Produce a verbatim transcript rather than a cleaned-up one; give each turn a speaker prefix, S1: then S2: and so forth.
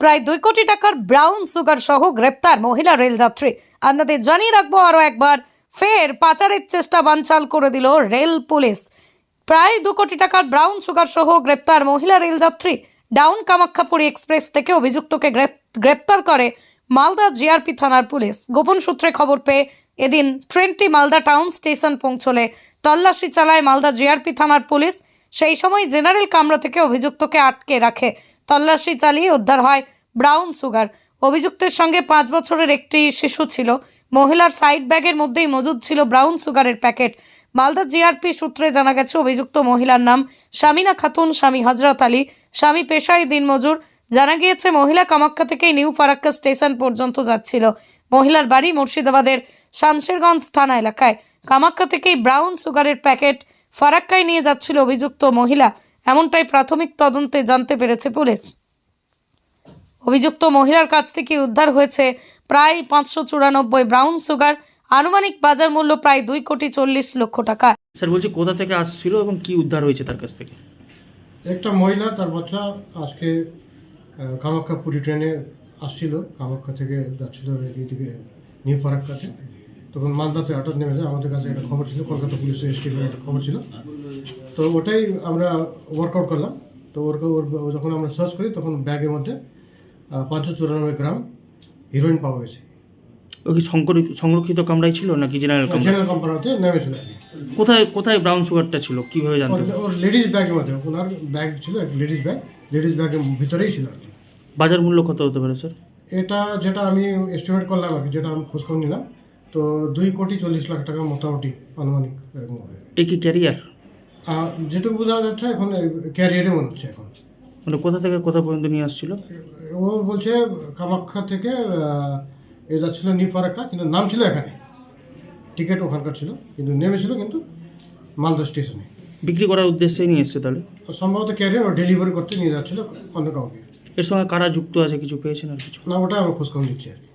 S1: প্রায় দুই কোটি টাকার ব্রাউন সুগার সহ গ্রেপ্তার মহিলা রেলযাত্রী। আপনাদের জানিয়ে রাখবো আরও একবার, ফের পাচারের চেষ্টা বানচাল করে দিল রেল পুলিশ। প্রায় দু কোটি টাকার ব্রাউন সুগার সহ গ্রেপ্তার মহিলা রেলযাত্রী। ডাউন কামাখ্যাপুরী এক্সপ্রেস থেকে অভিযুক্তকে গ্রেপ্তার করে মালদা জিআরপি থানার পুলিশ। গোপন সূত্রে খবর পেয়ে এদিন ট্রেনটি মালদা টাউন স্টেশন পৌঁছলে তল্লাশি চালায় মালদা জিআরপি থানার পুলিশ। সেই সময় জেনারেল কামরা থেকে অভিযুক্তকে আটকে রাখে। তল্লাশি চালিয়ে উদ্ধার হয় ব্রাউন সুগার। অভিযুক্তের সঙ্গে পাঁচ বছরের একটি শিশু ছিল। মহিলার সাইড ব্যাগের মধ্যেই মজুদ ছিল ব্রাউন সুগারের প্যাকেট। মালদা জিআরপি সূত্রে জানা গেছে, অভিযুক্ত মহিলার নাম শামিনা খাতুন, স্বামী হজরত আলী, স্বামী পেশায় দিনমজুর। জানা গিয়েছে মহিলা কামাখ্যা থেকে নিউ ফারাক্কা স্টেশন পর্যন্ত যাচ্ছিল। মহিলার বাড়ি মুর্শিদাবাদের শামশেরগঞ্জ থানা এলাকায়। কামাখ্যা থেকেই ব্রাউন সুগারের প্যাকেট ফারাক্কায় নিয়ে যাচ্ছিল অভিযুক্ত মহিলা, এমনটাই প্রাথমিক তদন্তে জানতে পেরেছে পুলিশ। অভিযুক্ত মহিলার কাছ থেকে উদ্ধার হয়েছে প্রায় পাঁচশো চুরানব্বই ব্রাউন সুগার। আনুমানিক বাজার মূল্য প্রায় দুই কোটি চল্লিশ লক্ষ টাকা।
S2: স্যার বলছি, কোথা থেকে আসছিল এবং কি উদ্ধার হয়েছে তার কাছ থেকে?
S3: একটা মহিলা, তার বাচ্চা আজকে কামাখ্যাপুরী ট্রেনে আসছিল, কামাখ্যা থেকে যাচ্ছিল এইদিকে নিউ ফারাক্কাতে। তখন মালদাতে হঠাৎ নেমে যায়। আমাদের কাছে একটা খবর ছিল, কলকাতা পুলিশের এসটিফের একটা খবর ছিল, তো ওটাই আমরা ওয়ার্কআউট করলাম। তো ওর যখন আমরা সার্চ করি তখন ব্যাগের মধ্যে পাঁচশো চুরানব্বই গ্রাম হিরোইন পাওয়া গেছে।
S2: ও কি সংরক্ষিত কামরাই ছিল নাকি জেনারেল কামরা?
S3: জেনারেল কামরাতে নেমেছিল।
S2: কোথায় কোথায় ব্রাউন সুগারটা ছিল, কিভাবে জানতে?
S3: ওর লেডিস ব্যাগের মধ্যে, ওনার ব্যাগ ছিল, লেডিস ব্যাগ, লেডিস ব্যাগের ভিতরেই ছিল আর কি।
S2: বাজার মূল্য কত হতে পারে স্যার?
S3: এটা যেটা আমি এস্টিমেট করলাম আর কি, যেটা আমি খোঁজখবর নিলাম, তো দুই কোটি চল্লিশ লাখ টাকা মোটামুটি আনুমানিক এরকম হবে।
S2: এই কি ক্যারিয়ার?
S3: যেটুকু বোঝা যাচ্ছে এখন ক্যারিয়ারে মনে হচ্ছে এখন।
S2: মানে কোথা থেকে কোথা পর্যন্ত নিয়ে আসছিল?
S3: ও বলছে কামাখ্যা থেকে এ যাচ্ছিল নিউ ফারাক্কা, কিন্তু নাম ছিল এখানে, টিকিট ওখানকার ছিল, কিন্তু নেমেছিল কিন্তু মালদা স্টেশনে।
S2: বিক্রি করার উদ্দেশ্যে নিয়ে এসছে তাহলে?
S3: সম্ভবত ক্যারিয়ার ও ডেলিভারি করতে নিয়ে যাচ্ছিল অন্য কাউকে।
S2: এর সঙ্গে কারা যুক্ত আছে কিছু পেয়েছেন আর কিছু?
S3: না, ওটা আমি খোঁজখবর নিচ্ছি আর কি।